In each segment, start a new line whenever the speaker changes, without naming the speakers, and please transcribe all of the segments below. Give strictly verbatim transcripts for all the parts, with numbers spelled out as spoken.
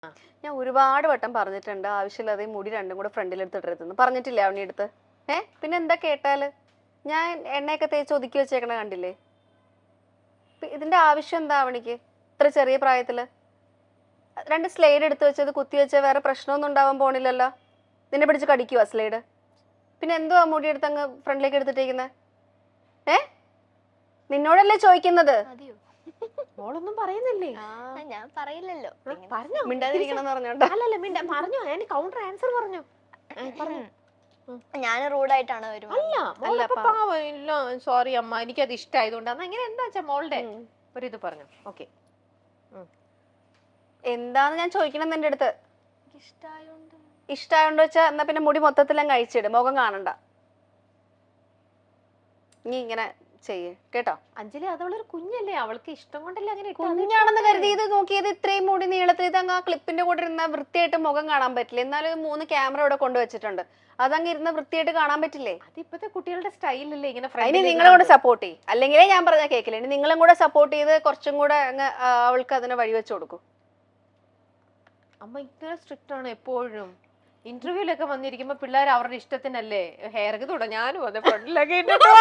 ഞാൻ ഒരുപാട് വട്ടം പറഞ്ഞിട്ടുണ്ട് ആവശ്യമില്ലാതെ മുടി രണ്ടും കൂടെ ഫ്രണ്ടിലെടുത്തിട്ടെന്ന് പറഞ്ഞിട്ടില്ലേ അവനെ അടുത്ത്. ഏ പിന്നെ എന്താ കേട്ടാല് ഞാൻ എണ്ണയൊക്കെ തേച്ച് ഒതുക്കി വെച്ചേക്കണ കണ്ടില്ലേ? ഇതിന്റെ ആവശ്യം എന്താ അവനിക്ക് ഇത്ര ചെറിയ പ്രായത്തില്? രണ്ട് സ്ലൈഡ് എടുത്ത് വെച്ചത് കുത്തി വെച്ചാൽ വേറെ പ്രശ്നമൊന്നും ഉണ്ടാവാൻ പോണില്ലല്ലോ. നിന്നെ പിടിച്ച് കടിക്കുവാ സ്ലൈഡ്? പിന്നെ എന്തുവാ മുടി എടുത്ത് അങ്ങ് ഫ്രണ്ടിലേക്ക് എടുത്തിട്ടേക്കുന്നത്? ഏ നിന്നോടല്ലേ ചോദിക്കുന്നത്?
മോളൊന്നും പറയുന്നില്ലേ?
ഞാൻ പറയില്ലല്ലോ.
മിണ്ടാതിരിക്കണം പറഞ്ഞോണ്ട്.
അല്ലല്ല മിണ്ട പറഞ്ഞു. ഞാൻ കൗണ്ടർ ആൻസർ പറഞ്ഞു.
ഞാൻ റൂഡായിട്ടാണ്
വരുന്നത്. അല്ല സോറി അമ്മ, എനിക്കത് ഇഷ്ടമായതുകൊണ്ടാണ്. അങ്ങനെ എന്താ വെച്ചാ മോളുടെ ഒരു ഇത് പറഞ്ഞു. ഓക്കെ
എന്താന്ന് ഞാൻ ചോദിക്കണം എന്റെ അടുത്ത്.
ഇഷ്ടായോണ്ട്
ഇഷ്ടായോണ്ട് വെച്ചാ എന്നാ പിന്നെ മുടി മൊത്തത്തിലും കഴിച്ചിടും, മുഖം കാണണ്ട. നീ ഇങ്ങനെ ചെയ്യേ കേട്ടോ.
അഞ്ജലി അതവളൊരു കുഞ്ഞല്ലേ, അവൾക്ക് ഇഷ്ടം കൊണ്ടല്ലേ അങ്ങനെ.
കുഞ്ഞാണെന്ന് കരുതി ഇത് നോക്കിയത് ഇത്രയും മുടി നീളത്തിൽ ഇതങ്ങ് ആ ക്ലിപ്പിന്റെ കൂടെ ഇരുന്ന വൃത്തിയായിട്ട് മുഖം കാണാൻ പറ്റില്ല. എന്നാലും മൂന്ന് ക്യാമറ ഇവിടെ കൊണ്ടുവച്ചിട്ടുണ്ട്, അതങ്ങ് ഇരുന്ന വൃത്തിയായിട്ട് കാണാൻ പറ്റില്ലേ?
അത് ഇപ്പത്തെ കുട്ടികളുടെ സ്റ്റൈലല്ലേ ഇങ്ങനെ.
അതിന് നിങ്ങളും കൂടെ സപ്പോർട്ട് ചെയ്യും, അല്ലെങ്കിലേ ഞാൻ പറഞ്ഞ കേക്കില്ല. ഇനി നിങ്ങളും കൂടെ സപ്പോർട്ട് ചെയ്ത് കുറച്ചും കൂടെ അങ്ങ് അവൾക്ക് അതിനെ വഴിവെച്ച് കൊടുക്കും.
അമ്മ ഇത്ര സ്ട്രിക്റ്റ് ആണ് എപ്പോഴും. ഇന്റർവ്യൂലൊക്കെ വന്നിരിക്കുമ്പോ പിള്ളേർ അവരുടെ ഇഷ്ടത്തിനല്ലേ ഹെയർ ഒക്കെ തുടങ്ങി. ഞാനും അതെ ഫ്രണ്ടിലൊക്കെ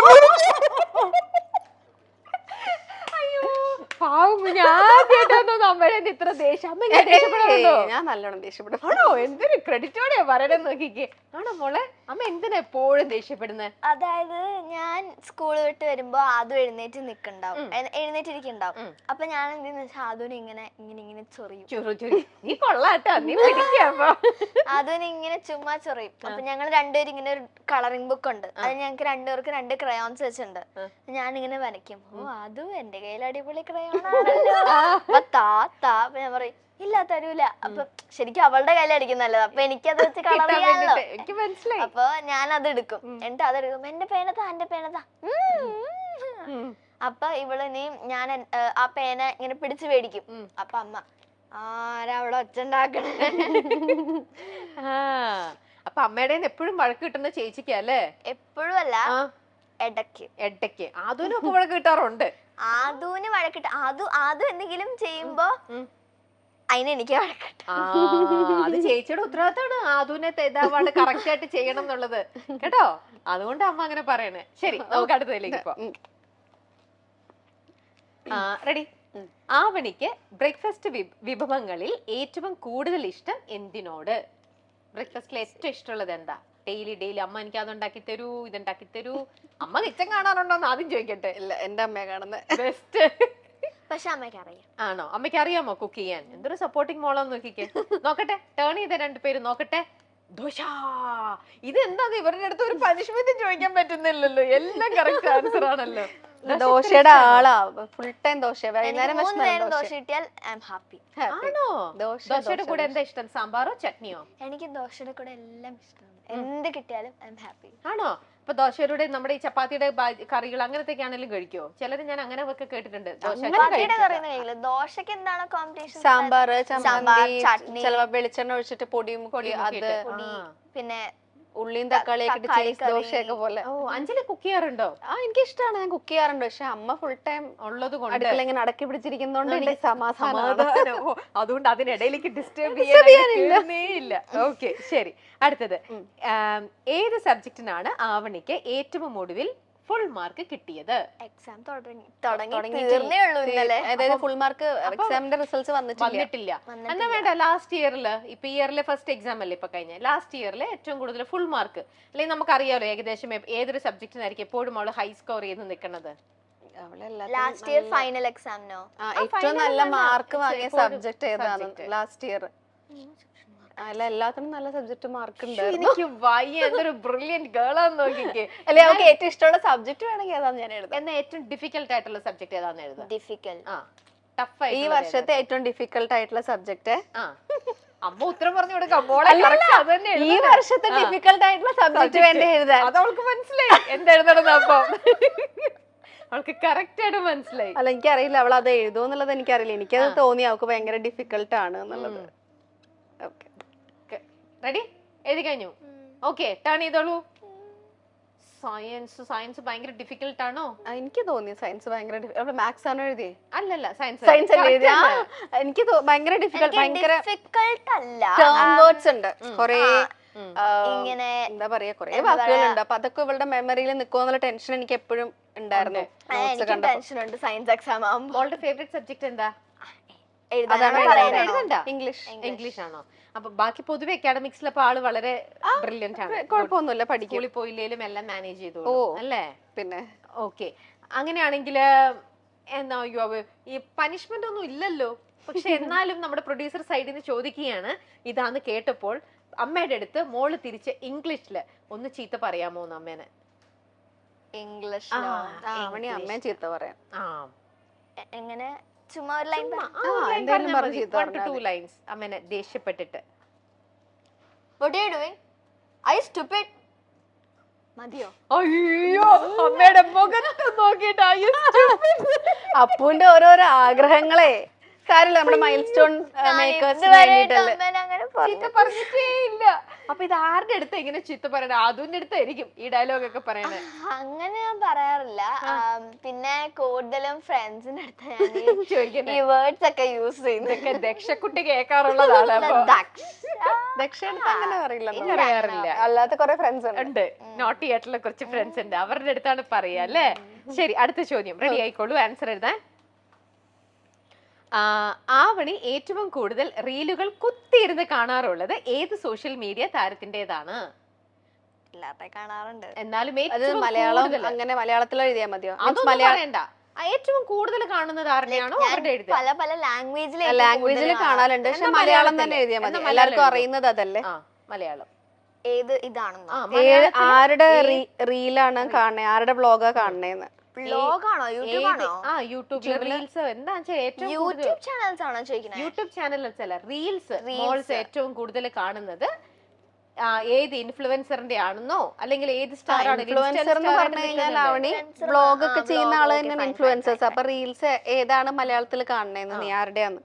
ഇത്ര ദേഷ്യം.
ഞാൻ നല്ലോണം ദേഷ്യപ്പെടും.
ആണോ? എന്തൊരു ക്രെഡിറ്റോടെയാ പറയണെന്ന് നോക്കിക്കേ. ആണോ മോളെ? അമ്മ എന്തിനാ എപ്പോഴും ദേഷ്യപ്പെടുന്നത്?
അതായത് ഞാൻ സ്കൂൾ വിട്ട് വരുമ്പോ അതും എഴുന്നേറ്റ് നിക്കണ്ടാവും, എഴുന്നേറ്റിരിക്കണ്ടാവും. അപ്പൊ ഞാൻ എന്തെന്ന് വെച്ചാൽ അതുവിനെ ഇങ്ങനെ ഇങ്ങനെ ഇങ്ങനെ ചൊറിയും.
നീ കൊള്ളാട്ടോ, നീ പിടിക്കാ.
അതുവിനെ ഇങ്ങനെ ചുമ്മാ ചൊറിയും. അപ്പൊ ഞങ്ങൾ രണ്ടുപേരും ഇങ്ങനെ ഒരു കളറിംഗ് ബുക്ക് ഉണ്ട്, അത് ഞങ്ങൾക്ക് രണ്ടുപേർക്ക് രണ്ട് ക്രയോൺസ് വെച്ചിട്ടുണ്ട്. ഞാൻ ഇങ്ങനെ വരയ്ക്കും. ഓ അതും എന്റെ കയ്യിൽ അടിപൊളി ക്രയോൺ ആണല്ലോ. അപ്പൊ താ താ അപ്പൊ ഞാൻ പറയും ഇല്ല തരൂല. അപ്പൊ ശരിക്കും അവളുടെ കയ്യിൽ അടിക്കുന്നല്ലത്, അപ്പൊ എനിക്കത് വെച്ച് കളർ ചെയ്യാമല്ലോ. അപ്പൊ ഞാൻ അത് എടുക്കും. എന്നിട്ട് അതെടുക്കും. എന്റെ പേനതാ എന്റെ പേനതാ. അപ്പൊ ഇവള് നീ ഞാൻ ആ പേന ഇങ്ങനെ പിടിച്ചു മേടിക്കും. അപ്പൊ അമ്മ ആരാ അവിടെ ഒച്ച ഉണ്ടാക്കണേ?
അപ്പൊ അമ്മയുടെ എപ്പോഴും വഴക്ക് കിട്ടുന്ന ചേച്ചിക്കല്ലേ?
എപ്പോഴും അല്ല, ഇടയ്ക്ക്
ഇടയ്ക്ക് ആദൂനും ഒക്കെ വഴക്ക് കിട്ടാറുണ്ട്.
ആദൂന് വഴക്കിട്ട ആദു ആദു എന്തെങ്കിലും ചെയ്യുമ്പോ അതിന് എനിക്ക് വഴക്കിട്ട.
അത് ചേച്ചിയുടെ ഉത്തരവാദിത്തമാണ് ആദൂനെ തെതാവാണ്ട് കറക്റ്റ് ആയിട്ട് ചെയ്യണം എന്നുള്ളത് കേട്ടോ. അതുകൊണ്ട് അമ്മ അങ്ങനെ പറയണേ. ശരി, നമുക്ക് അടുത്തതിലേക്ക് പോവാം. റെഡി? ആവണിക്ക് ബ്രേക്ക്ഫാസ്റ്റ് വിഭവങ്ങളിൽ ഏറ്റവും കൂടുതൽ ഇഷ്ടം എന്തിനോട്? ബ്രേക്ക്ഫാസ്റ്റിൽ ഏറ്റവും ഇഷ്ടമുള്ളത് എന്താ? ഡെയിലി ഡെയിലി അമ്മ എനിക്ക് അതുണ്ടാക്കി തരൂ ഇതുണ്ടാക്കി തരൂ. അമ്മ കിച്ചൻ കാണാറുണ്ടോന്ന് ആദ്യം ചോദിക്കട്ടെ.
ഇല്ല, എന്റെ അമ്മയെ കാണുന്നത്
ബെസ്റ്റ്.
പക്ഷെ അമ്മയ്ക്ക് അറിയാം.
ആണോ? അമ്മയ്ക്ക് അറിയാമോ കുക്ക് ചെയ്യാൻ? എന്തൊരു സപ്പോർട്ടിങ് മോളാന്ന് നോക്കിക്കേ. നോക്കട്ടെ, ടേൺ ചെയ്ത രണ്ടുപേരും നോക്കട്ടെ. ദോശ. ഇത് എന്താന്ന് ഇവരുടെ അടുത്ത് ഒരു പനിഷ്മെന്റ് ചോദിക്കാൻ പറ്റുന്നില്ലല്ലോ, എല്ലാം കറക്റ്റ് ആൻസർ ആണല്ലോ.
ദോശയുടെ ആളാ, ഫുൾ ടൈം ദോശ. വൈകുന്നേരം
ദോശ കിട്ടിയാൽ ഐ എം ഹാപ്പി.
ആണോ? ദോശയുടെ കൂടെ എന്താ ഇഷ്ടം? സാമ്പാറോ ചട്നിയോ?
എനിക്ക് ദോശയുടെ കൂടെ എല്ലാം ഇഷ്ടമാണ്, എന്ത് കിട്ടിയാലും ഐ എം ഹാപ്പി.
ആണോ? അപ്പൊ ദോശയുടെ നമ്മുടെ ഈ ചപ്പാത്തിയുടെ കറികൾ അങ്ങനത്തെയൊക്കെ ആണെങ്കിലും കഴിക്കോ? ചിലര് ഞാൻ അങ്ങനെ ഒക്കെ കേട്ടിട്ടുണ്ട്.
ദോശക്ക് എന്താണ് കോമ്പിനേഷൻ?
സാമ്പാർ, ചട്നി, ചിലപ്പോ വെളിച്ചെണ്ണ ഒഴിച്ചിട്ട് പൊടിയും പൊടി അത്,
പിന്നെ
ഉള്ളിയും തക്കാളിയൊക്കെ ചീസ് ദോശയൊക്കെ പോലെ.
ഓ, അഞ്ജലി കുക്ക് ചെയ്യാറുണ്ടോ?
ആ, എനിക്ക് ഇഷ്ടമാണ്, ഞാൻ കുക്ക് ചെയ്യാറുണ്ട്. പക്ഷെ അമ്മ ഫുൾ ടൈം
ഉള്ളത് കൊണ്ട്
അടുക്കള ഇങ്ങനെ അടക്കി പിടിച്ചിരിക്കുന്നോണ്ട് എനിക്ക് സമാധാനം.
അതുകൊണ്ട് അതിനിടയിലേക്ക് ഡിസ്റ്റർബ് ചെയ്യാനില്ല. ഓക്കെ, ശരി. അടുത്തത്, ഏത് സബ്ജക്റ്റിനാണ് ആവണിക്ക് ഏറ്റവും ഒടുവിൽ ഫുൾ മാർക്ക് കിട്ടിയത്?
എക്സാം തുടങ്ങിയേ ഉള്ളൂ ഇന്നലെ.
അതായത് ഫുൾ മാർക്ക് എക്സാമിന്റെ റിസൾട്ട്സ്
വന്നിട്ടില്ല. എന്നാ വേണ്ട, ലാസ്റ്റ് ഇയറില്, ഇപ്പൊ ഇയറിലെ ഫസ്റ്റ് എക്സാം അല്ലേ ഇപ്പൊ കഴിഞ്ഞ, ലാസ്റ്റ് ഇയറിലെ ഏറ്റവും കൂടുതൽ ഫുൾ മാർക്ക്, അല്ലെങ്കിൽ നമുക്കറിയാലോ ഏകദേശം ഏതൊരു സബ്ജക്റ്റിനായിരിക്കും എപ്പോഴും അവള് ഹൈ സ്കോർ ചെയ്ത് നിൽക്കുന്നത്?
ലാസ്റ്റ് ഇയർ ഫൈനൽ എക്സാമിനോ
ഏറ്റവും നല്ല മാർക്ക് വാങ്ങിയ സബ്ജക്ട് ഏതാണ് ലാസ്റ്റ് ഇയർ? അല്ല, എല്ലാത്തിനും നല്ല സബ്ജക്ട് മാർക്ക് ഉണ്ട്.
എനിക്ക് വയ്യ, എന്തൊരു ബ്രില്യന്റ് ഗേളാന്ന് നോക്കിക്കേ.
അല്ലെ, നമുക്ക് ഏറ്റവും ഇഷ്ടമുള്ള സബ്ജക്ട് വേണമെങ്കിൽ ഏതാന്ന് ഞാൻ എഴുതാം.
എന്നാ ഏറ്റവും ഡിഫിക്കൽട്ട് ആയിട്ടുള്ള സബ്ജക്ട് ഏതാന്ന് എഴുതാം.
ഡിഫിക്കൽട്ട്
ആ ടഫ് ആയി
ഈ വർഷത്തെ ഏറ്റവും ഡിഫിക്കൽട്ട് ആയിട്ടുള്ള സബ്ജക്ട്.
ആ അമ്മ ഉത്തരം പറഞ്ഞു കൊടുക്കാം.
ഈ വർഷത്തെ ഡിഫിക്കൽട്ട് ആയിട്ടുള്ള സബ്ജക്ട് വേണ്ടി എഴുതാൻ.
അത് അവൾക്ക് മനസ്സിലായി എന്തെഴുതണം. അപ്പൊ അവൾക്ക് കറക്റ്റ് ആയിട്ട് മനസ്സിലായി.
അല്ല, എനിക്കറിയില്ല അവൾ അത് എഴുതുമെന്നുള്ളത് എനിക്കറിയില്ല. എനിക്കത് തോന്നി അവൾക്ക് ഭയങ്കര ഡിഫിക്കൽട്ട് ആണ് എന്നുള്ളത്.
റെഡി? എഴുതി കഴിഞ്ഞു? ഓക്കെ, ടേൺ ചെയ്തോളൂ. സയൻസ് സയൻസ് ഭയങ്കര ഡിഫിക്കൽട്ട് ആണോ?
ആ, എനിക്ക് തോന്നി സയൻസ് ഭയങ്കര മാത്സ് ആണോ എഴുതിയേ?
അല്ലല്ല സയൻസ്
സയൻസ് അല്ലേ എഴുതിയ? എനിക്ക് തോ- ഭയങ്കര ഡിഫിക്കൽട്ട് ഭയങ്കര
ഡിഫിക്കൾട്ട് അല്ല,
ടേം വേർഡ്സ് ഉണ്ട് കൊറേ,
ഇങ്ങനെ
എന്താ പറയാ കൊറേ വാക്കുകളുണ്ട്. അപ്പൊ അതൊക്കെ ഇവളുടെ മെമ്മറിയിൽ നിൽക്കുമെന്നുള്ള ടെൻഷൻ എനിക്ക് എപ്പോഴും ഉണ്ടായിരുന്നു.
എനിക്ക് ടെൻഷൻ ഉണ്ട് സയൻസ് എക്സാം ആവുമ്പോൾ.
മോളുടെ ഫേവറേറ്റ് സബ്ജക്ട് എന്താ?
എഴുതാൻ
ഇംഗ്ലീഷ്.
ഇംഗ്ലീഷ് ആണോ? അപ്പൊ ബാക്കി പൊതുവെ അക്കാഡമിക്സിൽ അപ്പൊ ആള് വളരെ ബ്രില്യന്റ് ആണ്,
കുഴപ്പമൊന്നുമില്ല, പഠിക്കും.
സ്കൂളിൽ പോയില്ലേലും എല്ലാം മാനേജ് ചെയ്തു
ഓ
അല്ലേ?
പിന്നെ
ഓക്കെ, അങ്ങനെയാണെങ്കിൽ എന്താ യോ ഈ പനിഷ്മെന്റ് ഒന്നും ഇല്ലല്ലോ, പക്ഷെ എന്നാലും നമ്മുടെ പ്രൊഡ്യൂസർ സൈഡിൽ നിന്ന് ചോദിക്കുകയാണ്, ഇതാന്ന് കേട്ടപ്പോൾ അമ്മയുടെ അടുത്ത് മോള് തിരിച്ച് ഇംഗ്ലീഷില് ഒന്ന് ചീത്ത പറയാമോ എന്ന് അമ്മേനെ?
ഇംഗ്ലീഷ്
അവണി അമ്മയെ ചീത്ത പറയാം.
ആ
എങ്ങനെ? ചുമ്മാ ഒരു ലൈൻ
ടു ലൈൻസ് അമ്മേനെ ദേഷ്യപ്പെട്ടിട്ട്.
What are you doing? Are you stupid? മതിയോ?
അയ്യോ, അമ്മയുടെ മുഖത്ത് നോക്കിയിട്ട്
അപ്പുവിന്റെ ഓരോരോ ആഗ്രഹങ്ങളെ കാര്യമില്ല, നമ്മുടെ മൈൽ സ്റ്റോൺ മേക്കേഴ്സിന് വേണ്ടിട്ടല്ലേ.
ചീത്ത പറഞ്ഞിട്ടേ ഇല്ല. അപ്പൊ ഇത് ആരുടെ അടുത്ത് ഇങ്ങനെ ചീത്ത പറയണ? അതുവിന്റെ അടുത്തായിരിക്കും ഈ ഡയലോഗ് ഒക്കെ പറയണേ.
അങ്ങനെ ഞാൻ പറയാറില്ല, പിന്നെ കൂടുതലും ഫ്രണ്ട്സിന്റെ അടുത്ത് ഞാൻ ഈ വേർഡ്സ് ഒക്കെ യൂസ് ചെയ്യുന്നത്.
ദക്ഷക്കുട്ടി കേൾക്കാറുള്ളതാണ്.
ദക്ഷിണ അങ്ങനെ അറിയില്ല,
പറയാറില്ല.
അല്ലാത്ത കുറെ ഫ്രണ്ട്സ്
ഉണ്ട്, നോട്ടി ആയിട്ടുള്ള കുറച്ച് ഫ്രണ്ട്സ് ഉണ്ട്, അവരുടെ അടുത്താണ് പറയാ അല്ലേ? ശരി, അടുത്ത ചോദ്യം റെഡി ആയിക്കോളൂ, ആൻസർ എഴുതാൻ. ആവണി ഏറ്റവും കൂടുതൽ റീലുകൾ കുത്തിയിരുന്ന് കാണാറുള്ളത് ഏത് സോഷ്യൽ മീഡിയ താരത്തിന്റേതാണ്?
എല്ലാത്ത കാണാറുണ്ട്,
എന്നാലും
അത് മലയാളം അങ്ങനെ മലയാളത്തിൽ എഴുതിയാ മതിയോ?
അതൊന്നും പറയണ്ട, ഏറ്റവും കൂടുതൽ കാണുന്നത് ആരുടെയാണോ അവരുടെ എഴുതുക.
പല പല ലാംഗ്വേജിൽ
ലാംഗ്വേജിൽ കാണാറുണ്ട്, പക്ഷെ മലയാളം തന്നെ എഴുതിയാ മതി, എല്ലാവർക്കും അറിയുന്നത് അതല്ലേ.
മലയാളം
ഏത് ഇതാണെന്നോ?
ആരുടെ റീലാണ് കാണണേ, ആരുടെ വ്ളോഗാ കാണണേന്ന്?
വ്ളോഗാണോ യൂട്യൂബാണോ?
ആ യൂട്യൂബിൽ റീൽസ് എന്താ ഏറ്റവും
യൂട്യൂബ് ചാനൽസ് ആണോ ചോദിക്കുന്നത്?
യൂട്യൂബ് ചാനൽസ് അല്ല, റീൽസ് മോൾസ് ഏറ്റവും കൂടുതൽ കാണുന്നത് ഏത് ഇൻഫ്ലുവൻസറിന്റെ ആണെന്നോ അല്ലെങ്കിൽ ഏത് സ്റ്റാർ ആണ്?
ഇൻഫ്ലുവൻസർ എന്ന് പറഞ്ഞു കഴിഞ്ഞാൽ അവണി വ്ളോഗ് ഒക്കെ ചെയ്യുന്ന ആള് തന്നെയാണ് ഇൻഫ്ലുവൻസേഴ്സ്. അപ്പൊ റീൽസ് ഏതാണ് മലയാളത്തിൽ കാണണേന്ന് നീ ആരുടെയാന്ന്?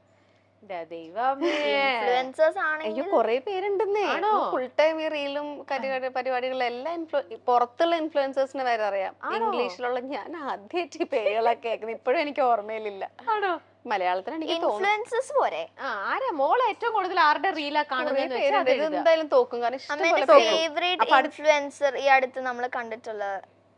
ഇൻഫ്ലുവൻസേഴ്സ് ആണെങ്കിൽ
അയ്യോ കൊറേ പേരുണ്ടെന്നേ, ഫുൾ ടൈം ഈ റീലും പരിപാടികളും എല്ലാം പുറത്തുള്ള ഇൻഫ്ലുവൻസേഴ്സിന് വരെ അറിയാം. ഇംഗ്ലീഷിലുള്ള ഞാൻ ആദ്യമായിട്ട് പേരുകളൊക്കെ കേൾക്കുന്നത്, ഇപ്പോഴും എനിക്ക് ഓർമ്മയിലില്ല. മലയാളത്തിൽ എനിക്ക്
ഇൻഫ്ലുവൻസേഴ്സ് പോരെ?
ആരാ മോള് ഏറ്റവും കൂടുതൽ ആരുടെ റീലാ കാണുന്നത്?
എന്തായാലും തോക്കും, കാരണം
ഫേവറേറ്റ് ഇൻഫ്ലുവൻസർ ഈ അടുത്ത് നമ്മൾ കണ്ടിട്ടുള്ള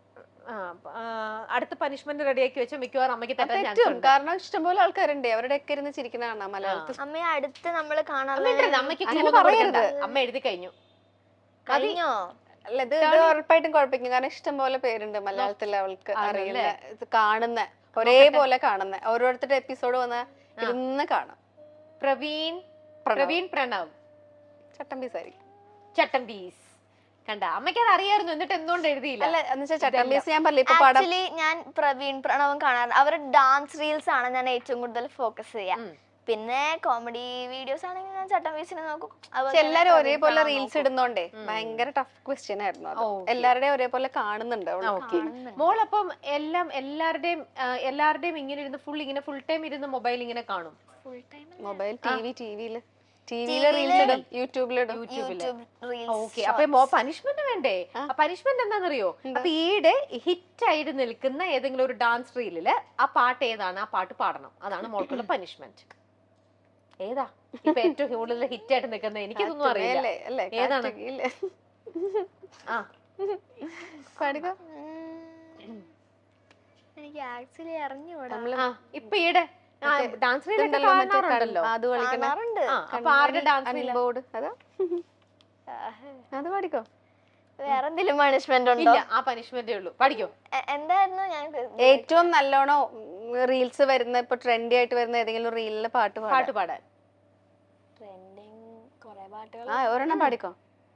അടുത്ത പനിഷ്മെന്റ് റെഡിയാക്കി വെച്ച മിക്കവാറും അമ്മയ്ക്ക് തെറ്റാൻ ചാൻസ് ഉണ്ട്.
കാരണം ഇഷ്ടംപോലെ ആൾക്കാരുണ്ട്, അവരുടെ ഒക്കെ ഇരുന്ന് ചിരിക്കുന്നതാണ് മലയാളത്തിൽ.
അമ്മയെ അടുത്ത് നമ്മള് കാണാൻ
അമ്മയ്ക്ക് അമ്മ എഴുതി കഴിഞ്ഞു
കഴിഞ്ഞോ?
അല്ല, ഇത് ഇത് ഉറപ്പായിട്ടും കുഴപ്പമില്ല, കാരണം ഇഷ്ടംപോലെ പേരുണ്ട് മലയാളത്തിൽ അവൾക്ക് അറിയുന്ന, ഇത് കാണുന്ന ഒരേപോലെ കാണുന്ന ഓരോരുത്തരുടെ എപ്പിസോഡ് വന്ന് ഇരുന്ന് കാണാം.
പ്രവീൺ പ്രവീൺ പ്രണവ്
ചട്ടമ്പീസായിരിക്കും.
ചട്ടമ്പീസ് കണ്ട അമ്മയ്ക്ക് അത് അറിയായിരുന്നു, എന്നിട്ട് എന്തുകൊണ്ട് എഴുതിയില്ല?
അല്ല എന്നുവെച്ചാൽ ചട്ടമ്പീസ് ഞാൻ പറഞ്ഞില്ല, ഇപ്പൊ
ആക്ച്വലി ഞാൻ പ്രവീൺ പ്രണവും കാണാറ്, അവരുടെ ഡാൻസ് റീൽസ് ആണ് ഞാൻ ഏറ്റവും കൂടുതൽ ഫോക്കസ് ചെയ്യാം. പിന്നെ കോമഡി വീഡിയോസ് ആണെങ്കിൽ ഞാൻ ചട്ടമ്പീസിനെ നോക്കും.
എല്ലാരും ഒരേപോലെ റീൽസ് ഇടുന്നോണ്ടേ ഭയങ്കര ടഫ് ക്വസ്റ്റ്യൻ ആയിരുന്നു അത്. എല്ലാവരുടെയും ഒരേപോലെ കാണുന്നുണ്ട്.
മോളപ്പം എല്ലാം എല്ലാവരുടെയും എല്ലാവരുടെയും ഇങ്ങനെ ഇരുന്ന് ഫുൾ ഇങ്ങനെ ഫുൾ ടൈം ഇരുന്ന് മൊബൈൽ ഇങ്ങനെ കാണും?
ഫുൾ ടൈം
മൊബൈൽ ടിവി ടിവിയില് ടിവിയില് റീൽസ് ഇടും, യൂട്യൂബിലിടും.
ഓക്കെ, അപ്പൊ പനിഷ്മെന്റ് വേണ്ടേ? പനിഷ്മെന്റ് എന്താണെന്നറിയോ? അപ്പൊ ഈയിടെ ഹിറ്റ് ആയിട്ട് നിൽക്കുന്ന ഏതെങ്കിലും ഒരു ഡാൻസ് റീലില് ആ പാട്ട് ഏതാണ്, ആ പാട്ട് പാടണം. അതാണ് മോൾക്കുള്ള പനിഷ്മെന്റ്. ഏതാ ഇപ്പൊ ഏറ്റവും കൂടുതൽ ഹിറ്റ് ആയിട്ട് നിൽക്കുന്നത്? എനിക്കിതൊന്നും അറിയില്ല. ഏതാണ്? ആ
എനിക്ക് ആക്ച്വലി അറിഞ്ഞൂടാ.
ഇപ്പൊ ഈയിടെ ഡാൻസ് റീലൊക്കെ കാണാറുണ്ടല്ലോ.
കാണാറുണ്ട്.
അപ്പൊ ആരുടെ ഡാൻസ്
ബോർഡ് അതാ, അത് പഠിക്കോ?
വേറെ എന്തെങ്കിലും പണിഷ്മെന്റ് ഉണ്ടോ?
ഇല്ല, ആ പനിഷ്മെന്റേ ഉള്ളൂ. പഠിക്കോ?
എന്തായിരുന്നു ഞാൻ
ഏറ്റവും നല്ലോണം റീൽസ് വരുന്ന, ഇപ്പൊ ട്രെൻഡി ആയിട്ട് വരുന്ന ഏതെങ്കിലും റീലിലെ പാട്ട്
പാട്ട് പാടാൻ?
ട്രെൻഡിങ് കുറെ പാട്ടുകൾ.
ആ ഒരെണ്ണം പാടിക്കോ.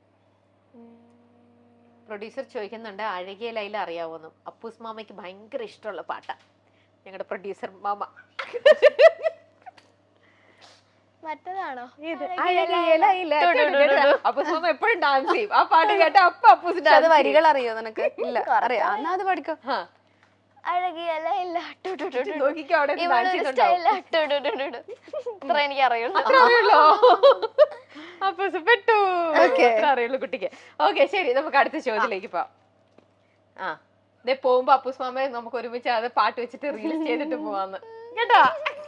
പ്രൊഡ്യൂസർ ചോദിക്കുന്നുണ്ട് അഴകിയ ലൈല അറിയാവോന്ന്. അപ്പൂസ് മാമയ്ക്ക് ഭയങ്കര ഇഷ്ടമുള്ള പാട്ടാ, ഞങ്ങളുടെ പ്രൊഡ്യൂസർ മാമ.
മറ്റേതാണോ?
അപ്പൂസ് മാമ എപ്പോഴും ഡാൻസ് ചെയ്യും ആ പാട്ട് കേട്ട. അപ്പൊ അപ്പൂസിന്റെ
അത് വരികൾ അറിയോ നിനക്ക്? ഇല്ല, അറിയാം. എന്നാ അത് പഠിക്കോ.
അഴകിയ ലൈല
നോക്കിക്കോ, അവിടെ
ഇത്ര എനിക്ക് അറിയുള്ളൂ.
അപ്പൂസ് പെട്ടു അറിയുള്ളൂ കുട്ടിക്ക്. ഓക്കെ ശരി, നമുക്ക് അടുത്ത ചോദ്യത്തിലേക്ക് പോവാം. ആ ഇതേ പോകുമ്പോ അപ്പൂസ് മാമ നമുക്ക് ഒരുമിച്ച് അത് പാട്ട് വെച്ചിട്ട് റീൽസ് ചെയ്തിട്ട് പോവാന്ന് കേട്ടോ.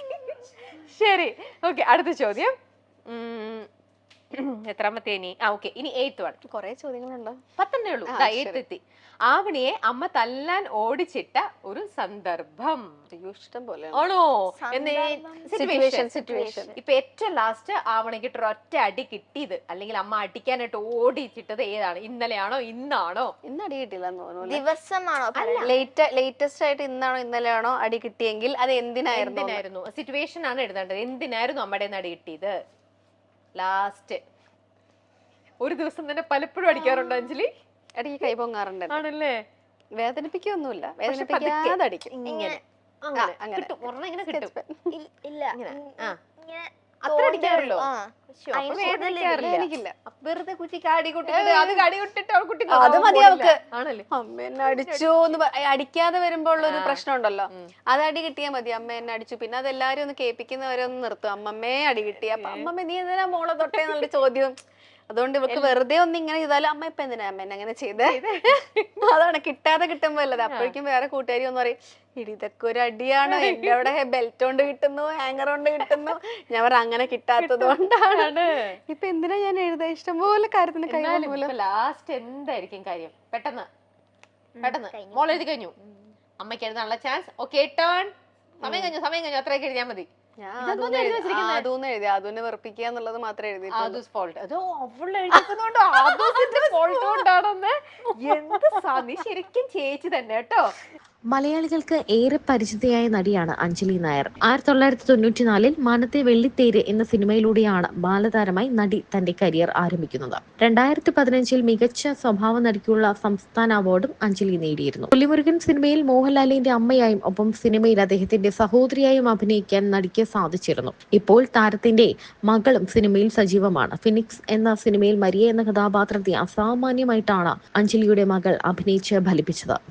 ശരി, ഓക്കെ. അടുത്ത ചോദ്യം. ഉം, എത്രാമത്തെ ഇനി? ആ ഓക്കെ, ഇനി എയ്ത്ത് വൺ.
കൊറേ ചോദ്യങ്ങളുണ്ടോ?
പത്തന്നെ ഉള്ളൂ. എയ്ത്ത് എത്തി. ആവണിയെ അമ്മ തല്ലാൻ ഓടിച്ചിട്ട ഒരു സന്ദർഭം.
അയ്യോ, ഇഷ്ടം പോലെ
ആണോ?
സിറ്റുവേഷൻ സിറ്റുവേഷൻ
ഇപ്പൊ ഏറ്റവും ലാസ്റ്റ് ആവണിക്ക് ഒറ്റ അടി കിട്ടിയത്, അല്ലെങ്കിൽ അമ്മ അടിക്കാനായിട്ട് ഓടിച്ചിട്ടത് ഏതാണ്? ഇന്നലെയാണോ ഇന്നാണോ?
ഇന്ന് അടി കിട്ടിയില്ലെന്ന് തോന്നുന്നു.
ദിവസമാണോ?
ലേറ്റ് ലേറ്റസ്റ്റ് ആയിട്ട് ഇന്നാണോ ഇന്നലെയാണോ അടി കിട്ടിയെങ്കിൽ അത് എന്തിനായിരുന്നു?
എന്തിനായിരുന്നു? സിറ്റുവേഷൻ ആണ് എഴുതേണ്ടത്. എന്തിനായിരുന്നു അമ്മയുടെ നിന്ന് അടി കിട്ടിയത്? ലാസ്റ്റ് ഒരു ദിവസം തന്നെ പലപ്പോഴും അടിക്കാറുണ്ടോ അഞ്ജലി?
അടി കൈ പൊങ്ങാറുണ്ട്.
ആണല്ലേ?
വേദനിപ്പിക്കൊന്നുമില്ല,
പക്ഷെ
വേദനിപ്പിക്കാതെ അടിക്കും.
ഇങ്ങനെ
അങ്ങനെ.
കിട്ടും, ഒരെണ്ണം ഇങ്ങനെ കിട്ടും.
ഇ- ഇല്ല
ഇങ്ങനെ.
ഉം,
ആ.
ഇങ്ങനെ
അത്ര അടിക്കാറുള്ളൂ?
ആ.
ശ്ശോ, അപ്പൊ
അതിന്
വേദനിക്കാറില്ല.
വേദനിക്കില്ല.
അപ്പൊ വെറുതെ കുറ്റിക്ക് അടി കൊട്ടിട്ട് അത് കടി കൊട്ടിട്ട് അവൾ കുട്ടി
അത് മതി അവൾക്ക്.
ആണല്ലേ?
അമ്മ എന്നെ അടിച്ചു എന്ന് പ- അടിക്കാതെ വരുമ്പോ ഉള്ള ഒരു പ്രശ്നം ഉണ്ടല്ലോ,
ഉം.
അത് അടി കിട്ടിയാ മതി. അമ്മ എന്നെ അടിച്ചു, പിന്നെ അത് എല്ലാരും ഒന്ന് കേൾപ്പിക്കുന്നവരെ ഒന്ന് നിർത്തും. അമ്മമ്മേ അടി കിട്ടി, അപ്പൊ അമ്മമ്മ നീ എന്തിനാ മോളെ തൊട്ടേ എന്നുള്ള ചോദ്യം. അതുകൊണ്ട് ഇവർക്ക് വെറുതെ ഒന്ന് ഇങ്ങനെ ചെയ്താലും അമ്മ ഇപ്പൊ എന്തിനാ അമ്മ എന്നെ അങ്ങനെ ചെയ്തേ? അതാണ് കിട്ടാതെ കിട്ടുമ്പോ അല്ലത്. അപ്പോഴേക്കും വേറെ കൂട്ടുകാരി ഒന്ന് പറയും, ഇടി ഇതൊക്കെ ഒരു അടിയാണോ, എന്റെ അവിടെ ബെൽറ്റ് കൊണ്ട് കിട്ടുന്നു, ഹാങ്ങർ കൊണ്ട് കിട്ടുന്നു. ഞാൻ പറ അങ്ങനെ കിട്ടാത്തത് കൊണ്ടാണ്. ഇപ്പൊ എന്തിനാ ഞാൻ എഴുതാ? ഇഷ്ടംപോലെ കാര്യത്തിന് കൈ
ലാസ്റ്റ് എന്തായിരിക്കും കാര്യം? പെട്ടെന്ന് പെട്ടെന്ന് മോൾ എഴുതി കഴിഞ്ഞു, അമ്മയ്ക്ക് എഴുതാനുള്ള ചാൻസ്. Okay, turn. സമയം കഴിഞ്ഞു, സമയം കഴിഞ്ഞു. അത്രയൊക്കെ എഴുതിയാൽ മതി.
അതൊന്നും എഴുതി അതുനെ വെറുപ്പിക്കുക എന്നുള്ളത് മാത്രമേ എഴുതി.
ആദൂസ് ഫോൾട്ട്. അതോ അവൾ എഴുതിക്കുന്നോണ്ടോ? ആദൂസിന്റെ ഫോൾട്ട് കൊണ്ടാണെന്ന്. എന്ത് സാ, നീ ശരിക്കും ചേച്ചി തന്നെ കേട്ടോ.
മലയാളികൾക്ക് ഏറെ പരിചിതയായ നടിയാണ് അഞ്ജലി നായർ. ആയിരത്തി തൊള്ളായിരത്തി തൊണ്ണൂറ്റിനാലിൽ മാനത്തെ വെള്ളിത്തേര് എന്ന സിനിമയിലൂടെയാണ് ബാലതാരമായി നടി തന്റെ കരിയർ ആരംഭിക്കുന്നത്. രണ്ടായിരത്തി പതിനഞ്ചിൽ മികച്ച സ്വഭാവ നടിക്കുള്ള സംസ്ഥാന അവാർഡും അഞ്ജലി നേടിയിരുന്നു. പുലിമുരുകൻ സിനിമയിൽ മോഹൻലാലിന്റെ അമ്മയായും ഒപ്പം സിനിമയിൽ അദ്ദേഹത്തിന്റെ സഹോദരിയായും അഭിനയിക്കാൻ നടിക്ക് സാധിച്ചിരുന്നു. ഇപ്പോൾ താരത്തിന്റെ മകളും സിനിമയിൽ സജീവമാണ്. ഫിനിക്സ് എന്ന സിനിമയിൽ മരിയ എന്ന കഥാപാത്രത്തെ അസാമാന്യമായിട്ടാണ് അഞ്ജലിയുടെ മകൾ അഭിനയിച്ച് ഫലിപ്പിച്ചത്.